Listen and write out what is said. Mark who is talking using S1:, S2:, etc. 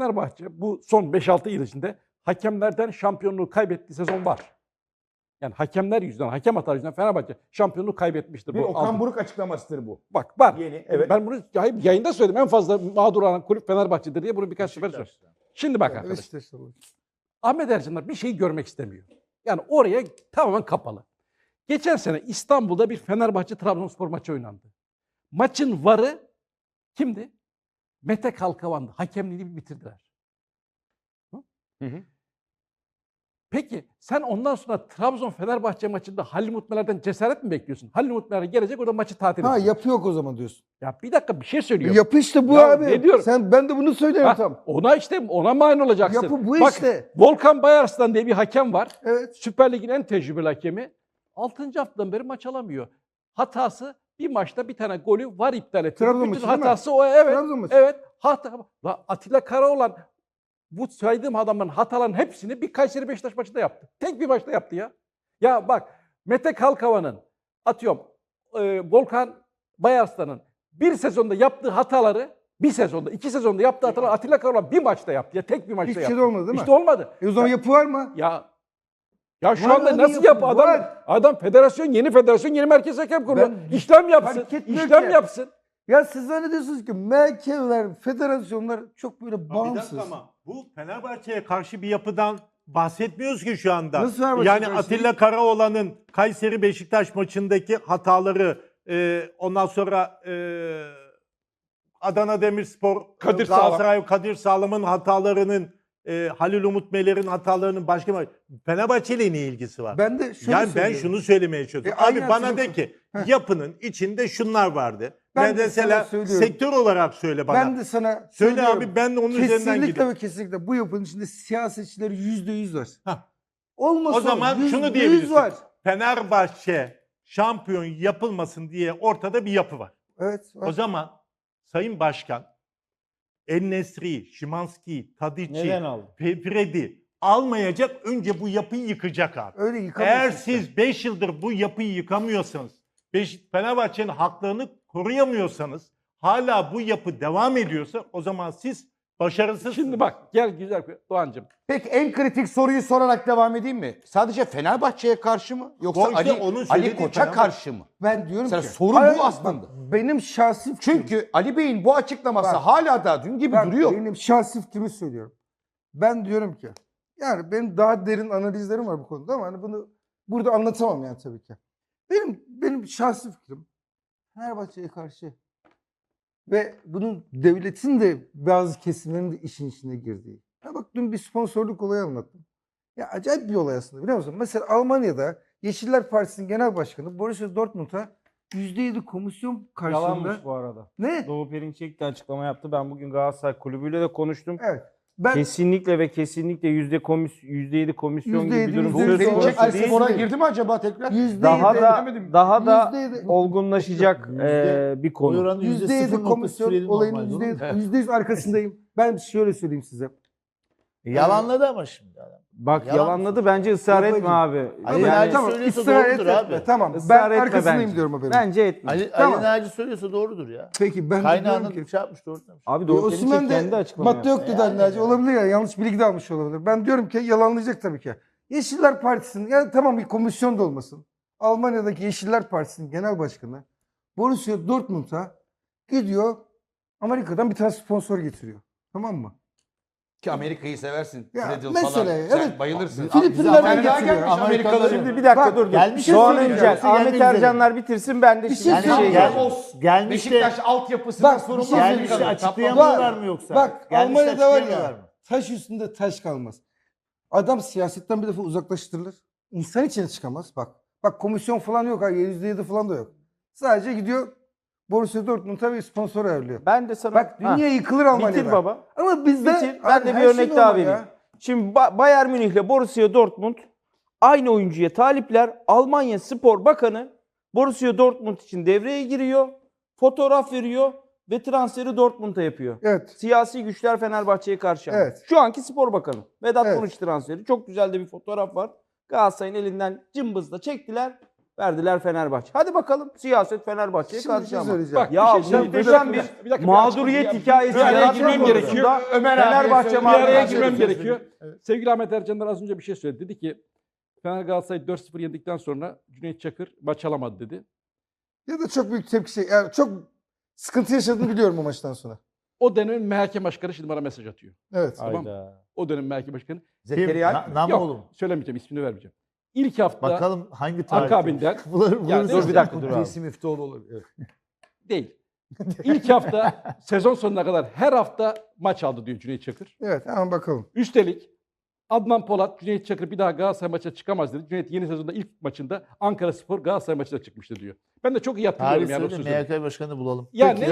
S1: Fenerbahçe bu son 5-6 yıl içinde hakemlerden şampiyonluğu kaybettiği sezon var. Yani hakemler yüzünden, hakem hataları yüzünden Fenerbahçe şampiyonluğu kaybetmiştir.
S2: Bir
S1: bu
S2: Okan
S1: altı.
S2: Buruk açıklamasıdır bu.
S1: Bak var.
S2: Yeni, evet.
S1: Ben bunu yayında söyledim. En fazla mağdur olan kulüp Fenerbahçe'dir diye bunu birkaç sefer söyledim. Şimdi bak arkadaşlar. Ahmet Ercanlar bir şeyi görmek istemiyor. Yani oraya tamamen kapalı. Geçen sene İstanbul'da bir Fenerbahçe-Trabzonspor maçı oynandı. Maçın varı kimdi? Mete Kalkavan'dı. Hakemliğini bitirdiler.
S2: Hı hı.
S1: Peki sen ondan sonra Trabzon-Fenerbahçe maçında Halil Mutmeler'den cesaret mi bekliyorsun? Halil Mutmeler gelecek orada maçı tatil edecek.
S3: Ha yapı yok o zaman diyorsun.
S1: Ya bir dakika bir şey söylüyorum.
S3: Yapı işte bu
S1: Ya
S3: abi.
S1: ne diyorum?
S3: Ben de bunu söylüyorum
S1: Ha,
S3: tam.
S1: ona mani olacaksın.
S3: Yapı bu
S1: Bak,
S3: işte.
S1: Volkan Bayarslan diye bir hakem var.
S3: Evet.
S1: Süper Lig'in en tecrübeli hakemi. 6. haftadan beri maç alamıyor. Hatası bir maçta bir tane golü var iptal etti.
S3: Trabzon
S1: Bütün
S3: maçı değil mi?
S1: hatası o evet.
S3: Trabzon maçı.
S1: Evet. Atilla Karaoğlan bu saydığım adamların hataların hepsini bir Kayseri Beşiktaş maçında yaptı. Tek bir maçta yaptı ya. Ya bak Mete Kalkavan'ın atıyorum Volkan Bayarslan'ın bir sezonda yaptığı hataları bir sezonda, 2 sezonda yaptığı hataları Atilla Karaoğlan bir maçta yaptı ya. Tek bir maçta
S3: Hiçbir
S1: yaptı.
S3: şey de olmadı değil mi?
S1: İşte olmadı.
S3: O zaman yapı var mı?
S1: Ya şu
S3: Var
S1: anda
S3: abi,
S1: nasıl
S3: yapı
S1: yapı adam?
S3: var.
S1: Adam yeni federasyon, yeni merkez hakem kuruyor.
S3: Ben
S1: İşlem yapsın.
S3: fark etmiyor
S1: İşlem
S3: ki.
S1: yapsın.
S3: Ya siz zannediyorsunuz ki merkezler, federasyonlar çok böyle
S4: Bir
S3: bağımsız.
S4: dakika ama bu Fenerbahçe'ye karşı bir yapıdan bahsetmiyoruz ki şu anda.
S3: Nasıl Fenerbahçe
S4: Yani
S3: karşı?
S4: Atilla Karaoğlan'ın Kayseri Beşiktaş maçındaki hataları, ondan sonra Adana Demirspor,
S1: Kadir Sağlam.
S4: Galatasaray Kadir Sağlam'ın hatalarının, Halil Umut Meler'in hatalarının başka Fenerbahçe ile ne ilgisi var?
S3: Ben de şöyle
S4: Yani ben
S3: söylüyorum.
S4: şunu söylemeye çalışıyorum.
S3: aynen
S4: Abi bana
S3: şunu-
S4: de ki
S3: Heh.
S4: yapının içinde şunlar vardı.
S3: Ben de
S4: Mesela
S3: sana söylüyorum.
S4: sektör olarak söyle bana.
S3: Ben de sana
S4: Söyle
S3: söylüyorum.
S4: abi, ben de onun üzerinden
S3: Kesinlikle
S4: gideyim.
S3: ve kesinlikle bu yapının içinde siyasetçileri %100 var.
S4: Hah.
S3: Olmasa
S4: O zaman şunu
S3: %100
S4: diyebilirsin.
S3: var.
S4: Fenerbahçe şampiyon yapılmasın diye ortada bir yapı var.
S3: Evet. Var.
S4: O zaman Sayın Başkan En-Nesyri, Szymański, Tadiç'i,
S5: Neden aldın?
S4: Fred'i almayacak, önce bu yapıyı yıkacak abi.
S3: Öyle yıkamazsın.
S4: Eğer
S3: işte.
S4: siz 5 yıldır bu yapıyı yıkamıyorsanız, Fenerbahçe'nin haklarını koruyamıyorsanız, hala bu yapı devam ediyorsa o zaman siz başarısızsınız.
S1: Şimdi bak gel güzel Doğancığım.
S2: Peki en kritik soruyu sorarak devam edeyim mi? Sadece Fenerbahçe'ye karşı mı? Yoksa
S4: O işte
S2: Ali,
S4: onun
S2: Ali
S4: söylediği
S2: Koç'a
S4: Fenerbahçe.
S2: karşı mı?
S3: Ben diyorum
S2: Mesela
S3: ki.
S2: soru
S3: Hayır,
S2: bu
S3: bak,
S2: aslında.
S3: benim şahsi fikrim.
S2: Çünkü Ali Bey'in bu açıklaması
S3: Bak.
S2: hala da dün gibi
S3: Bak,
S2: duruyor.
S3: benim şahsi fikrimi söylüyorum. Ben diyorum ki yani benim daha derin analizlerim var bu konuda ama hani bunu burada anlatamam yani tabii ki. Benim şahsi fikrim Fenerbahçe'ye karşı ve bunun devletin de bazı kesimlerinin de işin içine girdiği. Ya bak dün bir sponsorluk olayı anlattım. Ya acayip bir olay aslında biliyor musun? Mesela Almanya'da Yeşiller Partisi'nin genel başkanı Borussia Dortmund'a %7 komisyon karşılığında...
S5: Yalanmış bu arada.
S3: Ne?
S5: Doğu Perinçek de açıklama yaptı. Ben bugün Galatasaray kulübüyle de konuştum.
S3: Evet. Ben
S5: Kesinlikle ve kesinlikle %7 komisyon gibi
S3: %7,
S5: bir durum
S3: %7
S5: söz
S2: Perinçek
S5: konusu
S3: Ay,
S5: değil.
S2: Spor'a
S3: değil.
S2: girdi mi acaba tekrar?
S5: Daha da
S3: %7
S5: olgunlaşacak bir konu.
S3: %7 komisyon olayının %100 arkasındayım. Ben şöyle söyleyeyim size.
S6: Yalanladı ama şimdi adam.
S5: Bak
S6: Yalan
S5: yalanladı, bence ısrar
S3: Babacığım.
S5: etme abi.
S6: Ali
S5: Yani
S6: Naci
S3: tamam,
S6: söylüyorsa
S3: ısrar
S6: doğrudur
S3: etme.
S6: abi.
S3: Tamam, ben
S5: ısrar etme
S3: arkasındayım
S5: bence.
S3: diyorum haberim.
S5: Bence etme.
S6: Ali
S3: Tamam.
S6: Naci söylüyorsa doğrudur ya.
S3: Peki ben de
S6: Kaynağının
S3: diyorum ki
S6: şey yapmış doğru demiş.
S5: Abi Doğu
S3: Osman
S5: Perinçek kendi
S3: de
S5: açıklama
S3: madde
S5: yaptı.
S3: yok dedi
S6: Yani.
S3: Naci. Olabilir ya, yanlış bilgi de almış olabilir. Ben diyorum ki yalanlayacak tabii ki. Yeşiller Partisi'nin, yani tamam bir komisyon da olmasın. Almanya'daki Yeşiller Partisi'nin genel başkanı Borussia Dortmund'a gidiyor Amerika'dan bir tane sponsor getiriyor. Tamam mı?
S2: Ki Amerika'yı seversin.
S3: Ya,
S2: Fred'in
S3: mesela,
S2: falan.
S3: evet.
S2: Sen bayılırsın.
S3: Filipinler'den
S2: Sen daha
S3: getiriyor.
S2: gelmiş Amerikalı.
S5: Şimdi bir dakika
S3: Bak,
S5: dur.
S6: gelmiş
S5: Doğan
S3: ya,
S5: Öncel,
S6: gelsin,
S5: Ahmet
S6: gelmek
S5: Ercanlar bitirsin, ben de
S3: Bir
S5: şimdi
S3: şey
S5: bir şey
S3: söyleyeceğim.
S5: geleceğim.
S6: Gelmiş de
S2: Beşiktaş altyapısından
S3: Bak,
S2: sorumlu
S3: bir şey
S6: gelmiş de
S3: söyleyeceğim.
S6: açıklayamıyorlar mı yoksa?
S3: Bak
S6: Gelmiş de
S3: Almanya'da var
S6: açıklayamıyorlar
S3: ya
S6: mı?
S3: taş üstünde taş kalmaz. Adam siyasetten bir defa uzaklaştırılır. İnsan içine çıkamaz. Bak komisyon falan yok. %7 falan da yok. Sadece gidiyor Borussia Dortmund'a bir sponsor ayarlıyor.
S5: Ben de sana...
S3: Bak dünya yıkılır Almanya'da.
S5: Bitir baba.
S3: Ama bizde...
S5: Bitir. Ben de
S3: her
S5: bir
S3: şey
S5: örnek daha
S3: normal ya.
S5: vereyim. Şimdi Bayern Münih ile Borussia Dortmund aynı oyuncuya talipler. Almanya Spor Bakanı Borussia Dortmund için devreye giriyor. Fotoğraf veriyor ve transferi Dortmund'a yapıyor.
S3: Evet.
S5: Siyasi güçler Fenerbahçe'ye karşı.
S3: Evet.
S5: Şu anki Spor Bakanı. Vedat
S3: Evet.
S5: Muriç transferi. Çok güzel de bir fotoğraf var. Galatasaray'ın elinden cımbızla çektiler. Verdiler Fenerbahçe. Hadi bakalım siyaset Fenerbahçe'ye
S3: Şimdi bir
S5: karşı
S3: şey
S5: ama.
S3: söyleyeceğim.
S1: Bak,
S5: Ya
S1: bir şey söyleyeyim.
S5: muhteşem
S1: Bir
S5: bir
S1: dakika, bir dakika,
S5: mağduriyet
S1: bir
S5: hikayesi
S1: bir araya
S5: yaratmak
S1: girmem
S5: konusunda
S1: gerekiyor.
S5: Fenerbahçe
S1: Bir araya
S5: mağduriyeti
S1: girmem
S5: hikayesi.
S1: gerekiyor. Sevgili Ahmet Ercanlar az önce bir şey söyledi. Dedi ki Fener Galatasaray 4-0 yendikten sonra Cüneyt Çakır maç alamadı dedi.
S3: Ya da çok büyük tepki yani çok sıkıntı yaşadığını biliyorum o maçtan sonra.
S1: O dönemin MHK başkanı şimdi bana mesaj atıyor.
S3: Evet.
S1: Tamam mı? O dönemin MHK başkanı.
S2: Zekeriya
S6: Kim?
S2: Alp mi?
S6: Namoğlu mu?
S1: Söylemeyeceğim, ismini vermeyeceğim. İlk hafta
S6: Bakalım hangi tarih?
S1: akabinden
S6: Buluruz.
S5: Dur bir dakika dur abi.
S2: Kudüs'ü Müftüoğlu olur. Evet.
S1: değil. İlk hafta sezon sonuna kadar her hafta maç aldı diyor Cüneyt Çakır.
S3: Evet hemen bakalım.
S1: Üstelik Adnan Polat, Cüneyt Çakır bir daha Galatasaray maçına çıkamaz dedi. Cüneyt yeni sezonda ilk maçında Ankara Spor Galatasaray maçına çıkmıştı diyor. Ben de çok iyi hatırlıyorum
S6: Tarih
S1: yani o
S6: söyle
S1: sözü.
S6: MHK başkanını bulalım.
S1: Yani